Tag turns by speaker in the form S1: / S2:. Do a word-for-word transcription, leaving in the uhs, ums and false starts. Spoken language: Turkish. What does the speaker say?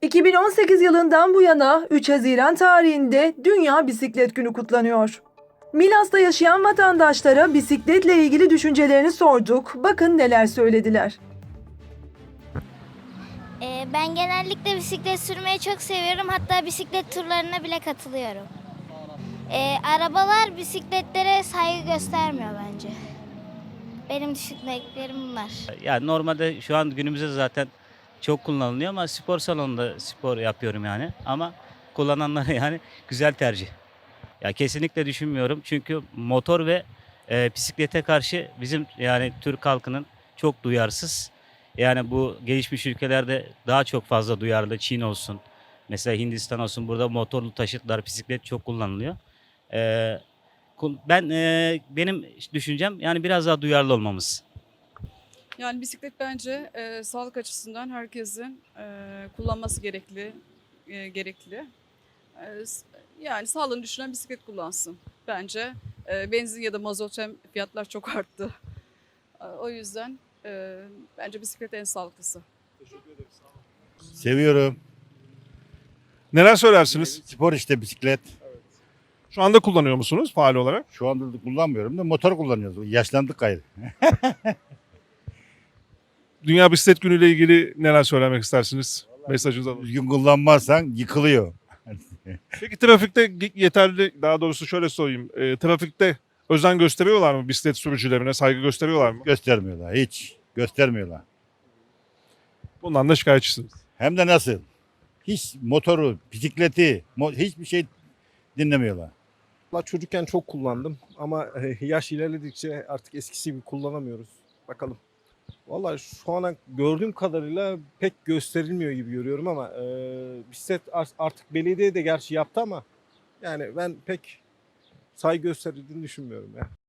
S1: iki bin on sekiz yılından bu yana üç Haziran tarihinde Dünya Bisiklet Günü kutlanıyor. Milas'ta yaşayan vatandaşlara bisikletle ilgili düşüncelerini sorduk. Bakın neler söylediler.
S2: Ee, ben genellikle bisiklet sürmeyi çok seviyorum. Hatta bisiklet turlarına bile katılıyorum. Ee, arabalar bisikletlere saygı göstermiyor bence. Benim düşündüklerim bunlar.
S3: Yani normalde şu an günümüzde zaten çok kullanılıyor ama spor salonunda spor yapıyorum yani. Ama kullananlara yani güzel tercih. Ya kesinlikle düşünmüyorum çünkü motor ve e, bisiklete karşı bizim yani Türk halkının çok duyarsız. Yani bu gelişmiş ülkelerde daha çok fazla duyarlı. Çin olsun, mesela Hindistan olsun, burada motorlu taşıtlar, bisiklet çok kullanılıyor. E, kul- ben e, benim düşüncem yani biraz daha duyarlı olmamız.
S4: Yani bisiklet bence e, sağlık açısından herkesin e, kullanması gerekli, e, gerekli. E, s- yani sağlığını düşünen bisiklet kullansın. Bence e, benzin ya da mazot hem fiyatlar çok arttı. E, o yüzden e, bence bisiklet en sağlıklısı.
S5: Seviyorum.
S6: Neler söylersiniz?
S5: Spor işte bisiklet.
S6: Şu anda kullanıyor musunuz faal olarak?
S5: Şu anda da kullanmıyorum da motor kullanıyoruz. Yaşlandık gayrı.
S6: Dünya Bisiklet Günü ile ilgili neler söylemek istersiniz? Mesajınızı alalım.
S5: Düzgün kullanmazsan yıkılıyor.
S6: Peki trafikte yeterli, daha doğrusu şöyle sorayım. E, trafikte özen gösteriyorlar mı bisiklet sürücülerine? Saygı gösteriyorlar mı?
S5: Göstermiyorlar hiç. Göstermiyorlar.
S6: Bundan da şikayetçisiniz.
S5: Hem de nasıl? Hiç motoru, bisikleti, mo- hiçbir şey dinlemiyorlar.
S7: Valla çocukken çok kullandım ama e, yaş ilerledikçe artık eskisi gibi kullanamıyoruz. Bakalım. Valla şu ana gördüğüm kadarıyla pek gösterilmiyor gibi görüyorum ama e, bisiklet ar- artık belediye de gerçi yaptı ama yani ben pek saygı gösterildiğini düşünmüyorum ya.